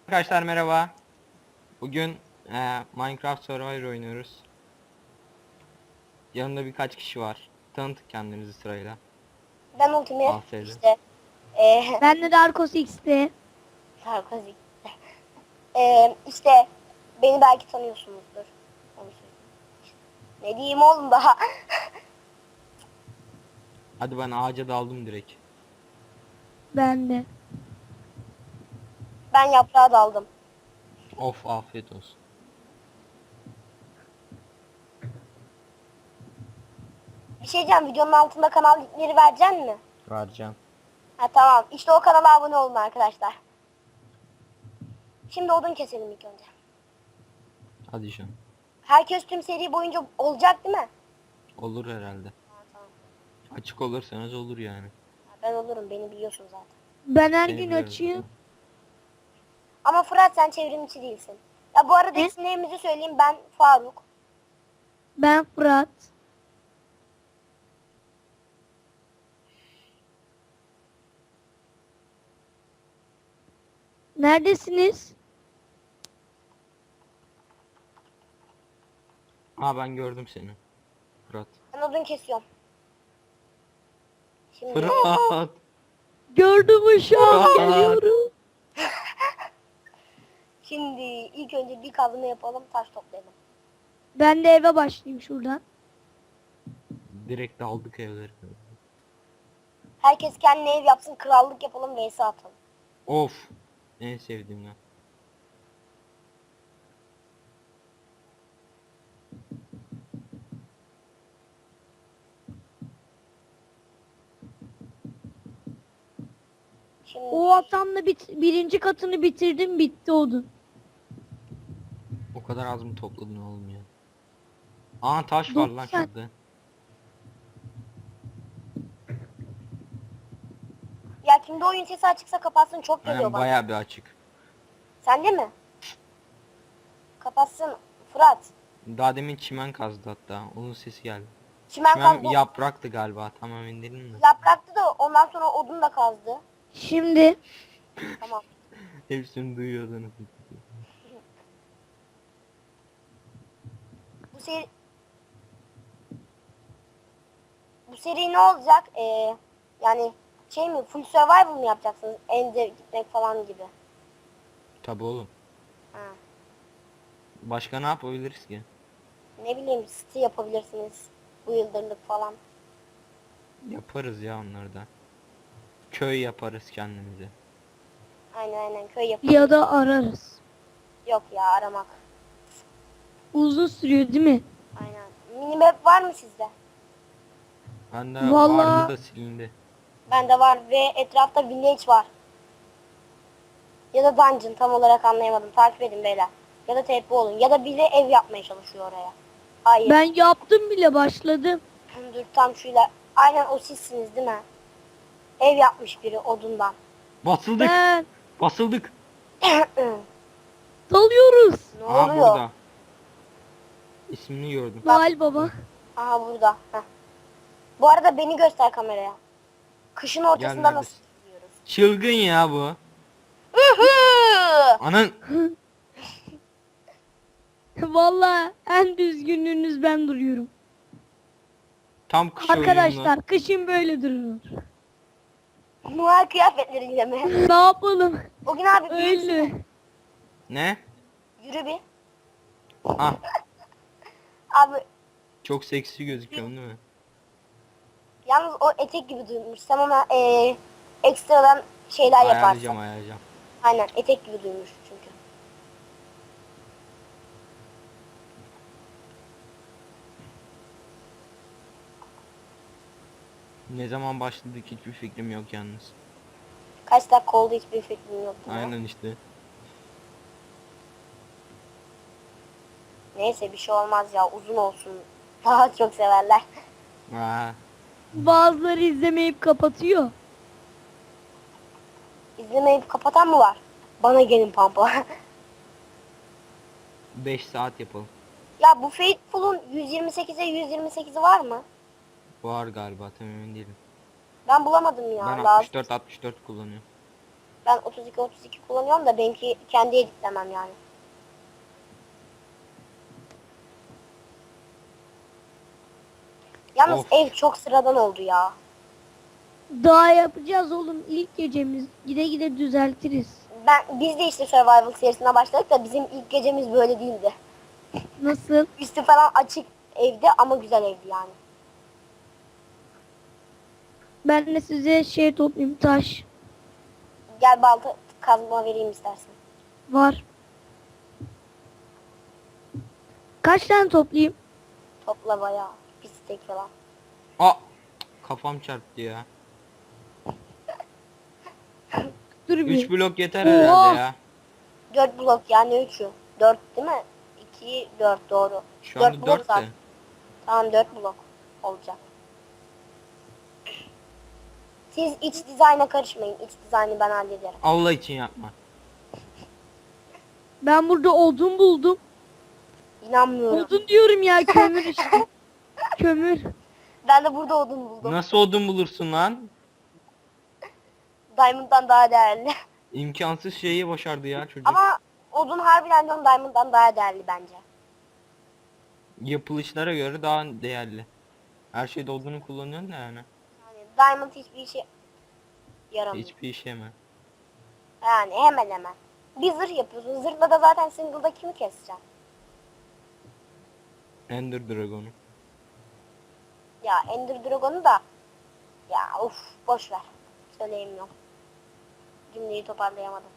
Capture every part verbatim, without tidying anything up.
Arkadaşlar merhaba. Bugün e, Minecraft Survivor oynuyoruz. Yanımda birkaç kişi var. Tanıtın kendinizi sırayla. Ben Ultimate Al Seydi. işte eee Ben de Darkos X'te. Sarkozy. Eee işte beni belki tanıyorsunuzdur. Onu söyleyeyim. Ne diyeyim oğlum daha. Hadi ben ağaca daldım direkt. Ben de. Ben yaprağa daldım. Of afiyet olsun. Bir şey diyeceğim, videonun altında kanal linkleri vereceksin mi? Vereceğim. Ha tamam. İşte o kanala abone olun arkadaşlar. Şimdi odun keselim ilk önce. Hadi şu. Herkes tüm seri boyunca olacak değil mi? Olur herhalde. Ha, tamam. Açık olursanız olur yani. Ha, ben olurum. Beni biliyorsun zaten. Ben her Seni gün biliyorum açayım. zaten. Ama Fırat sen çevrimçi değilsin. Ya bu arada Ne? isimlerimizi söyleyeyim. Ben Faruk. Ben Fırat. Neredesiniz? Aa ben gördüm seni. Fırat. Ben odun kesiyorum. Şimdi Fırat. Gördüm uşağım Fırat. geliyorum. Şimdi ilk önce bir kazma yapalım, taş toplayalım. Ben de eve başlayayım şuradan. Direkt daldık evlere. Herkes kendine ev yapsın, krallık yapalım, vs atalım. Of. En sevdiğim ya. Şimdi O atamla bit birinci katını bitirdim, bitti odun. O kadar az mı topladın oğlum ya? Aa taş var lan Doksan. şurada. ya kimde oyun sesi açıksa kapatsın, çok geliyor Aynen bana. bayağı bir açık. Sende mi? Kapatsın Fırat. Daha demin çimen kazdı hatta. Onun sesi geldi. Çimen Çimen kazdı. yapraktı galiba. Tamam indirelim mi? Yapraktı da ondan sonra odun da kazdı. Şimdi Tamam. Hepsini duyuyordunuz. Bu seri... Bu seri ne olacak? Ee, yani şey mi? Full survival mı yapacaksınız? Ender gitmek falan gibi. Tabi oğlum. Ha. Başka ne yapabiliriz ki? Ne bileyim, city yapabilirsiniz. Bu yıldırlık falan. Yaparız ya onları da. Köy yaparız kendimize. Aynen aynen köy yapın. ya da ararız. Yok ya, aramak. Uzun sürüyor değil mi? Aynen. Minimap var mı sizde? Bende Vallahi- vardı da silindi. Bende var ve etrafta village var. Ya da dungeon, tam olarak anlayamadım. Takip edin beyler. Ya da T P olun. Ya da biri ev yapmaya çalışıyor oraya. Hayır. Ben yaptım bile, başladım. Dur tam şöyle. Aynen o sizsiniz değil mi? Ev yapmış biri odundan. Basıldık. Ben Basıldık. dalıyoruz. Ne Aa oluyor? burada. İsmini gördüm. Noel Baba. Aha burada. Heh. Bu arada beni göster kameraya. Kışın ortasında Gel, nasıl neredesin? gidiyoruz? Çılgın ya bu. Anan. Vallahi en düzgünlüğünüz ben duruyorum. Tam kış oyununda. Arkadaşlar kışın böyle durulur. Noel kıyafetleriyle mi? Ne yapalım? O gün abi bir yürüsene. Öyle. Ne? Yürü bir. Ah Abi çok seksi gözüküyorsun değil mi? yalnız o etek gibi duymuş. Sen ona eee ekstradan şeyler yaparsın. Ayarlayacağım ayarlayacağım. Aynen etek gibi duymuş çünkü. Ne zaman başladık hiçbir fikrim yok yalnız. Kaç dakika oldu hiçbir fikrim yok. ya. Aynen işte. Neyse bir şey olmaz ya, uzun olsun. Daha çok severler. Aa, Bazıları izlemeyip kapatıyor. İzlemeyip kapatan mı var? Bana gelin pampa. beş saat yapalım. Ya bu Faithful'un yüz yirmi sekize yüz yirmi sekizi var mı? Var galiba tam emin değilim. Ben bulamadım ya. Ben lazım. altmış dört altmış dört kullanıyorum. Ben otuz iki otuz iki kullanıyorum da benimki kendi editlemem yani. Yalnız Of. ev çok sıradan oldu ya. Daha yapacağız oğlum ilk gecemiz. Gide gide düzeltiriz. Ben biz de işte Survival serisine başladık da bizim ilk gecemiz böyle değildi. Nasıl? Üstü falan açık evde ama güzel evdi yani. Ben de size şey toplayayım taş. Gel balta kazma vereyim istersen. Var. Kaç tane toplayayım? Topla bayağı. Bir stek falan. Aa! Kafam çarptı ya. Dur bir. üç blok yeter Oha! herhalde ya. dört blok yani üçü. dört değil mi? iki, dört doğru. Şu dört anda blok dört zaten. de. Tamam dört blok olacak. Siz iç dizayna karışmayın. İç dizaynı ben hallederim. Allah için yapma. Ben burada odun buldum. İnanmıyorum. Odun diyorum ya kömür işte. Kömür. Ben de burada odun buldum. Nasıl odun bulursun lan? Diamond'dan daha değerli. İmkansız şeyi başardı ya çocuk. Ama odun harbiden diyorum Diamond'dan daha değerli bence. Yapılışlara göre daha değerli. Her şeyde odunu kullanıyorsun da yani. Yani Diamond hiçbir işe yaramıyor. Hiçbir işe mi? Yani hemen hemen. Bir zırh yapıyorsun. Zırhla da zaten single'da kimi keseceksin? Ender Dragon'u. Ya Ender Dragon'u da ya uf boş ver. Söyleyemiyorum. Cümleyi toparlayamadım.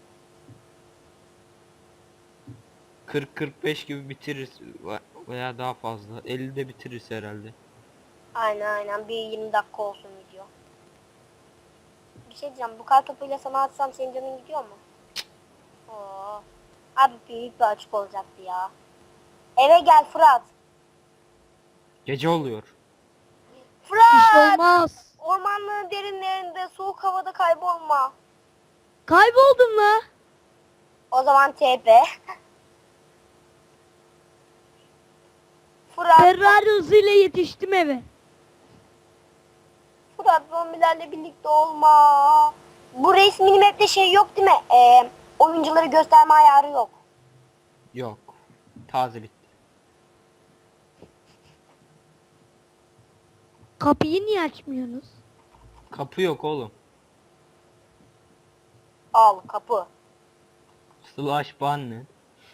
kırk kırk beş gibi bitiririz veya daha fazla. ellide bitiririz herhalde. Aynen aynen bir yirmi dakika olsun video. Bir şey diyeceğim. Bu kar topuyla sana atsam senin canın gidiyor mu? Oo. Abi büyük bir açık olacaktı ya. Eve gel Fırat. Gece oluyor. Bir şey Fırat! olmaz. Ormanlığın derinlerinde soğuk havada kaybolma. Kayboldum la. O zaman T P. Fırat, Ferrari hızıyla yetiştim eve. Fırat zombilerle birlikte olma. Bu race minimap'te şey yok değil mi? Ee, oyuncuları gösterme ayarı yok. Yok. Taze bitti. Kapıyı niye açmıyorsunuz? Kapı yok oğlum. Al kapı. Slash ban ne?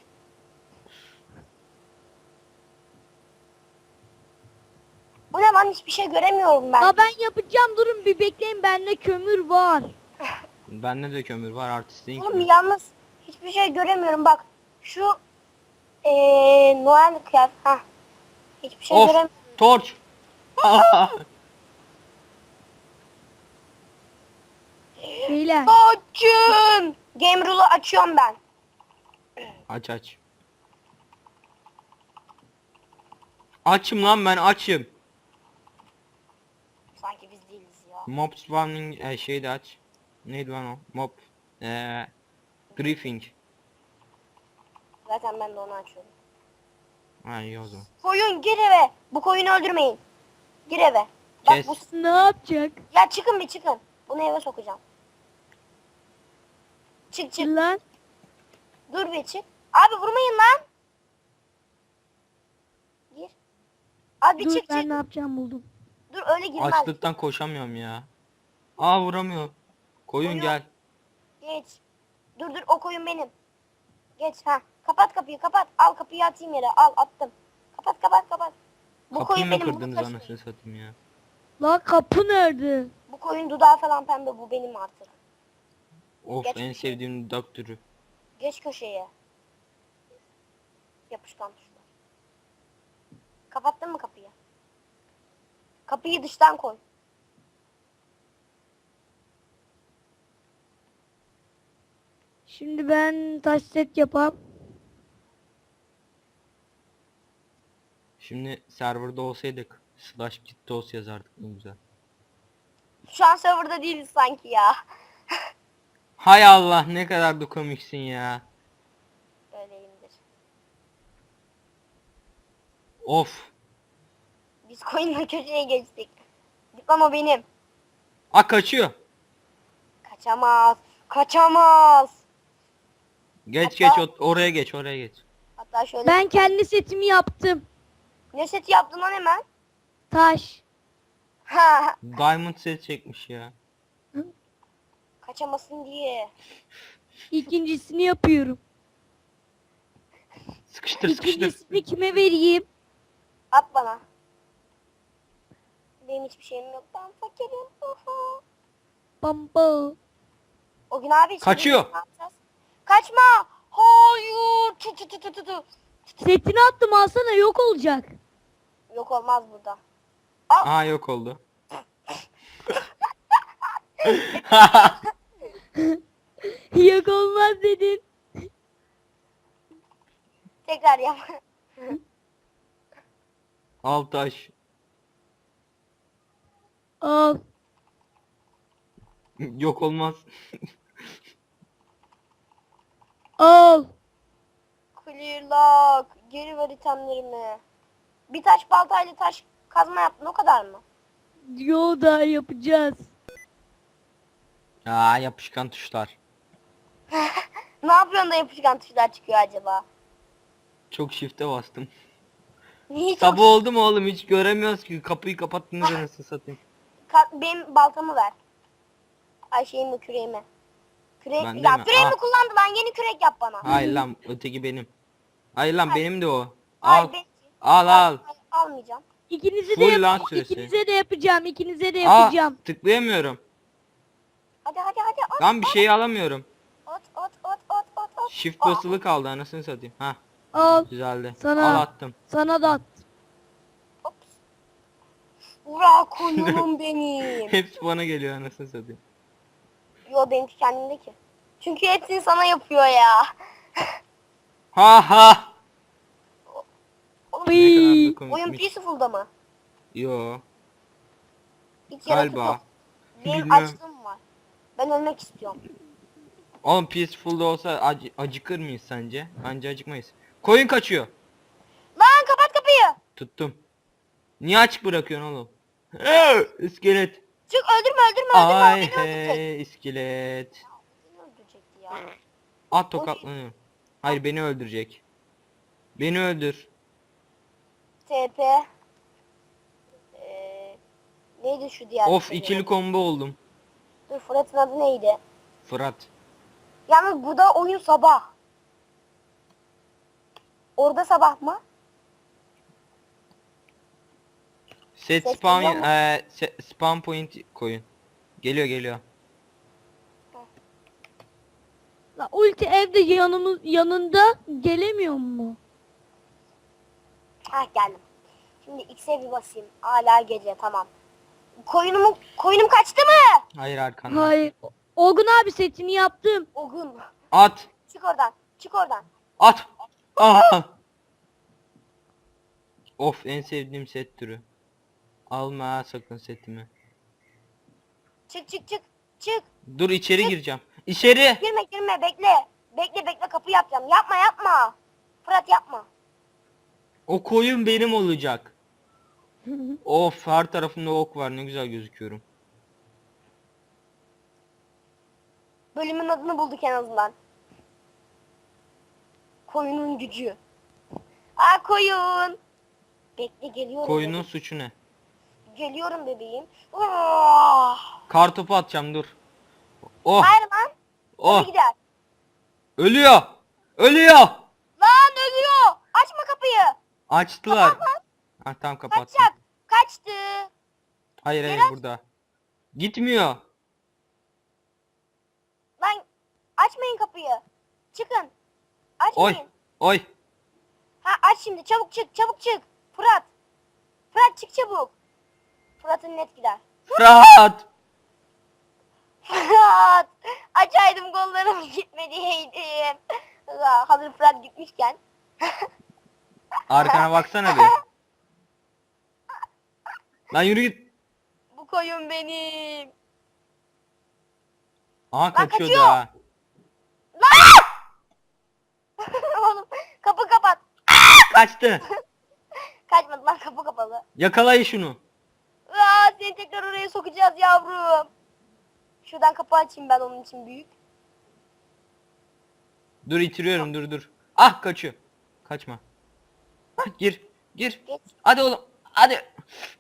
Bu ne lan hiçbir şey göremiyorum ben. Ya ben yapacağım durun bir bekleyin bende kömür var. Bende de kömür var artistin. Oğlum yalnız hiçbir şey göremiyorum bak. Şu ee, Noel kıyafet. Hah. Hiçbir şey Of! göremiyorum. Torç! Beyler. Açın. Game rule'u açıyorum ben. Aç aç. Açım lan ben açım. Sanki biz değiliz ya. Mob spawning e, şey de aç. Neydi lan o? Mob e, briefing. Zaten ben de onu açıyorum. Ha iyi o zaman. Koyun gir eve. Bu koyunu öldürmeyin. Gir eve. Bak Kes. bu Ne yapacak? ya çıkın bir çıkın. Bunu eve sokacağım. Çık çık. Lan. Dur bir çık. Abi vurmayın lan. Gir. Abi Dur çık ben çık. ne yapacağım buldum. Dur öyle girmez. Açlıktan koşamıyorum ya. Aa vuramıyor. Koyun Koyun. gel. Geç. Dur dur o koyun benim. Geç ha. Kapat kapıyı kapat. Al kapıyı atayım yere. Al attım. Kapat kapat kapat. Bu Kapıyı koyun mı benim. Bunu kırdınız taşıyın. anasını satayım ya. La kapı nerede? Bu koyun dudağı falan pembe. Bu benim artık. Of Geç en köşeye. sevdiğim dudak türü. Geç köşeye. Yapışkan tuşlar. Kapattın mı kapıyı? Kapıyı dıştan koy. Şimdi ben taş set yapam. Şimdi serverda olsaydık slash gittos yazardık ne güzel. Şu an serverda değiliz sanki ya. Hay Allah ne kadar da komiksin ya. Öyleyimdir. Of. Biz koyunla köşeye geçtik. Diploma benim. A kaçıyor. Kaçamaz. Kaçamaz. Geç Hatta- geç o- oraya geç oraya geç. Hatta şöyle. Ben kendi setimi yaptım. Ne seti yaptın lan hemen? Taş. Ha, Diamond set çekmiş ya. kaçamasın diye. İkincisini yapıyorum. Sıkıştır sıkıştır. İkincisini kime vereyim? At bana. Benim hiçbir şeyim yok. Ben fakirim. Uhu. Bamba. O gün abi. şimdi Kaçıyor. ne yapacağız? Kaçma. Hayır. Tu tu tu tu tu tu. Setini attım alsana yok olacak. Yok olmaz burada. Aha yok oldu. Yok olmaz dedin. Tekrar yap. Al taş. Al. Yok olmaz. Al. Clear lock. Geri ver itemlerimi. Bir taş baltayla taş kazma yaptın o kadar mı? Yo da yapacağız. Aa yapışkan tuşlar. Ne yapıyorsun da yapışkan tuşlar çıkıyor acaba? Çok shift'e bastım. Niye çok... Sabah oldu mu oğlum hiç göremiyoruz ki. Kapıyı kapattınız anasını satayım. Ka- benim baltamı ver. Ay şeyimi küreğimi. Kürek... Bende Ya mi? küreğimi Al. kullandı lan yeni kürek yap bana. Hayır lan öteki benim. Hayır lan benim de o. Ay, Al. ben- Al al. Ay, almayacağım. İkinize de Full lan yap süresi. ikinize de yapacağım. İkinize de Aa yapacağım. tıklayamıyorum. Hadi hadi hadi at Lan bir şey alamıyorum. at at at at at at. Shift Aa, basılı kaldı anasını satayım. Ha Al. güzeldi. Sana. Al attım. Sana da at. Ops. Ura koyunum benim. Hepsi bana geliyor anasını satayım. Yo benimki kendimde ki. Çünkü hepsini sana yapıyor ya. Ha ha. Oğlum, Ne kadar da Bıy. oyun komikmiş. peaceful'da mı? Yo. Hiç yaratık Galiba. yok. Benim Bilmiyorum. açlığım var. Ben ölmek istiyorum. Oğlum peaceful'da olsa ac- acıkır mıyız sence? Bence acıkmayız. Koyun kaçıyor. Lan kapat kapıyı. Tuttum. Niye açık bırakıyorsun oğlum? Ee, İskelet. Çık öldürme öldürme öldürme. o Ay beni öldürecek. hey iskelet. Beni öldürecekti ya. At tokatlanıyor. Hayır beni öldürecek. Beni öldür. T P. Ee, neydi şu diğer? Of şeyin ikili adı? combo oldum. Dur Fırat'ın adı neydi? Fırat. Yalnız burada oyun sabah. Orada sabah mı? Set Ses spam geliyor mu? eee, se- spam point koyun. Geliyor geliyor. La ulti evde yanımız yanında gelemiyor mu? Hah geldim. Şimdi X'e bir basayım. Hala gece tamam. Koyunumu, koyunum kaçtı mı? Hayır arkanda. Hayır. Olgun abi setini yaptım. O gün. At. Çık oradan. Çık oradan. At. Aha. Of en sevdiğim set türü. Alma sakın setimi. Çık çık çık. Çık. Dur içeri gireceğim. İçeri. Girme girme bekle. Bekle bekle kapı yapacağım. Yapma yapma. Fırat yapma. O koyun benim olacak. Of her tarafımda ok var ne güzel gözüküyorum. Bölümün adını bulduk en azından. Koyunun gücü. Aa koyun. Bekle geliyorum. Koyunun bebeğim. suçu ne? Geliyorum bebeğim. Ah! Kartopu atacağım dur. Oh Hayır lan. oh Kapı gider. ölüyor. Ölüyor. Lan ölüyor. Açma kapıyı. Açtılar. Kapat lan. Ha tamam kapattım. Kaçacak. Kaçtı. Hayır hayır Biraz- burada. Gitmiyor. Lan açmayın kapıyı. Çıkın. Oy Açmayın. oy. Ha aç şimdi. Çabuk çık. Çabuk çık. Fırat. Fırat çık çabuk. Fırat'ın net gider. Fırat. Fırat. Açaydım kollarım gitmediydim. Ya, hazır Fırat gitmişken. Arkana baksana bir. Lan yürü git. Bu koyun benim. Aha kaçıyordu kaçıyor. ha. Oğlum kapı kapat. Kaçtı. Kaçmadı lan kapı kapalı. Yakalayın şunu. Aa, seni tekrar oraya sokacağız yavrum. Şuradan kapı açayım ben onun için büyük. Dur itiriyorum dur dur. Ah kaçıyor. Kaçma. Hah, gir. Gir. Geç. Hadi oğlum. Hadi.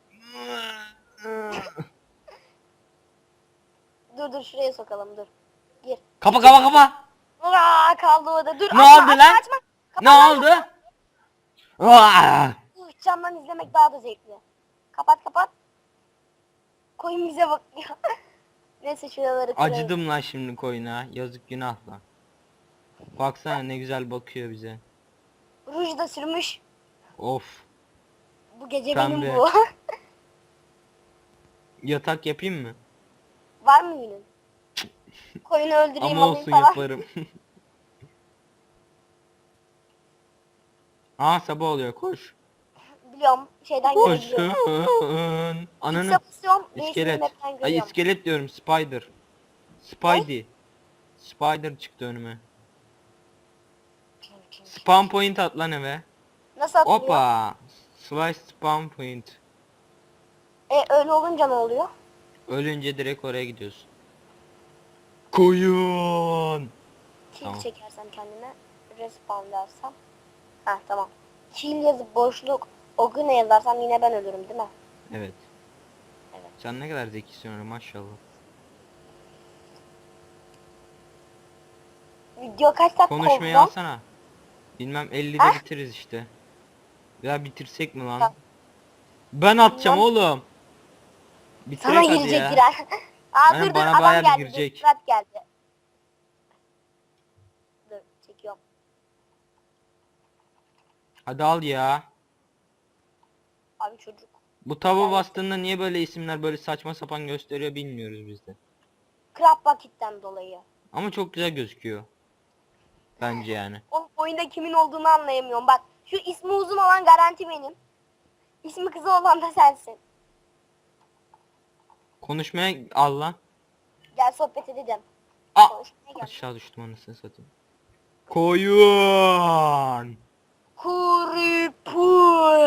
Dur dur şuraya sokalım dur. Gir. Kapa kapa kapa. Aa, kaldı orada. Dur Ne açma, oldu açma, lan? açma. Kapat Ne lan, oldu? kapat. Aa! Uh, camdan izlemek daha da zevkli. Kapat kapat. Koyun bize bakıyor. Neyse şuraları kırayım. Acıdım lan şimdi koyuna. Yazık günah lan. Baksana ne güzel bakıyor bize. Ruj da sürmüş. Of. Bu gece Pembe. benim bu. Yatak yapayım mı? Var mı yünün? Koyunu öldüreyim Ama alayım olsun falan. yaparım. Aa sabah oluyor koş. Biliyorum şeyden görebiliyorum. Koşun. Ananı. X'e basıyorum. İskelet. İskelet. Map'ten Ay görüyorum. iskelet diyorum spider. Spidey. Spider çıktı önüme. Spawn point at lan eve. Nasıl atılıyor? Hoppa. Slice spawn point. E öyle olunca ne oluyor? Ölünce direkt oraya gidiyorsun. Koyun. Kill Tamam. çekersem kendime. Respawn dersem. Heh tamam. Kill yazıp boşluk. O güne yazarsam yine ben ölürüm değil mi? Evet. Evet. Sen ne kadar zekisin öyle maşallah. Video kaç dakika Konuşmayı oldu? alsana. Bilmem ellide Ha? bitiririz işte. Ya bitirsek mi lan? Ha. Ben atacağım Bilmem. oğlum. Sana Bitirek hadi girecek ya. girer. Aa Aynen, dur dur bana adam bayağı bir geldi. girecek. Dur, Fırat geldi. Dur çekiyorum. Hadi al ya. Abi çocuk. Bu tava Yani- bastığında niye böyle isimler böyle saçma sapan gösteriyor bilmiyoruz biz de. Crab Bucket'ten dolayı. Ama çok güzel gözüküyor. Bence yani. O oyunda kimin olduğunu anlayamıyorum. Bak şu ismi uzun olan garanti benim. İsmi kısa olan da sensin. Konuşmaya al lan. Gel sohbet edelim. Aa! Konuşmaya gel. Aşağı düştüm anasını satayım. Koyun. Kuripur.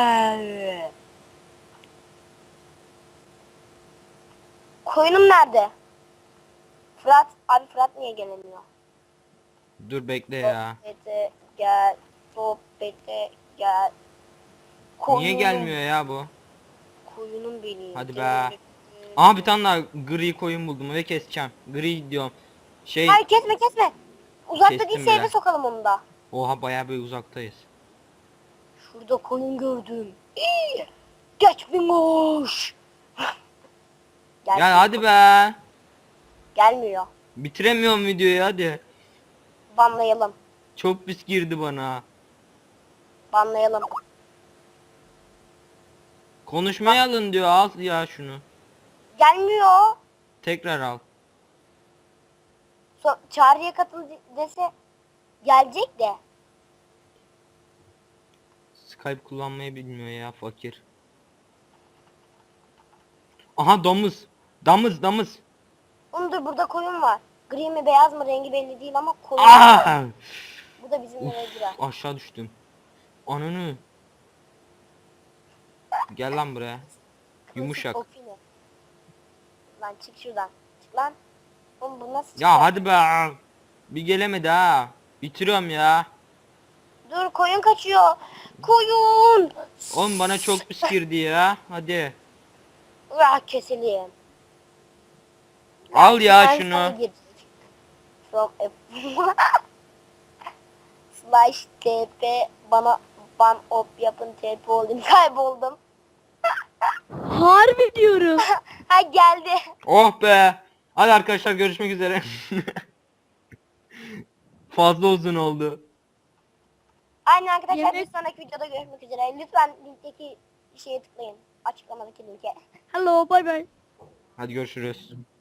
Koyunum nerede? Fırat. Abi Fırat niye gelemiyor? Dur bekle ya. Sohbete gel. Sohbete gel. Niye Koyunum, gelmiyor ya bu? Koyunum benim. Hadi be. Gel. Aha bir tane daha gri koyun buldum ve keseceğim. Gri diyorum. Şey Hayır kesme kesme. Uzakta Kestim değilse eve bile. sokalım onu da. oha bayağı bir uzaktayız. Şurada koyun gördüm. İyi. Geç bingoş. Gel. Ya hadi be. Gelmiyor. Bitiremiyorum videoyu hadi. Banlayalım. Çok pis girdi bana. Banlayalım. Konuşmaya alın diyor al ya şunu. Gelmiyor. Tekrar al. So çağrıya katıl de- dese gelecek de. Skype kullanmayı bilmiyor ya fakir. Aha domuz. Damız damız. Oğlum dur burada koyun var. Gri mi beyaz mı rengi belli değil ama koyun. Aa! Bu da bizim eve girer. Uf, aşağı düştüm. Ananı. Gel lan buraya. Yumuşak. Kopini. Lan çık şuradan. Çık lan. Oğlum bu nasıl Ya çıkacak? hadi be. Bir gelemedi ha. Bitiriyorum ya. Dur koyun kaçıyor. Koyun. Oğlum bana çok pis girdi ya. Hadi. Ah keselim. Al ya Ben şunu. sana girecek. From a- Slash T P bana ban op yapın T P olayım kayboldum. Harbi diyorum. Ha geldi. Oh be. Hadi arkadaşlar görüşmek üzere. Fazla uzun oldu. Aynen arkadaşlar Yemek- bir sonraki videoda görüşmek üzere. Lütfen linkteki şeye tıklayın. Açıklamadaki linke. Hello bye bye. Hadi görüşürüz.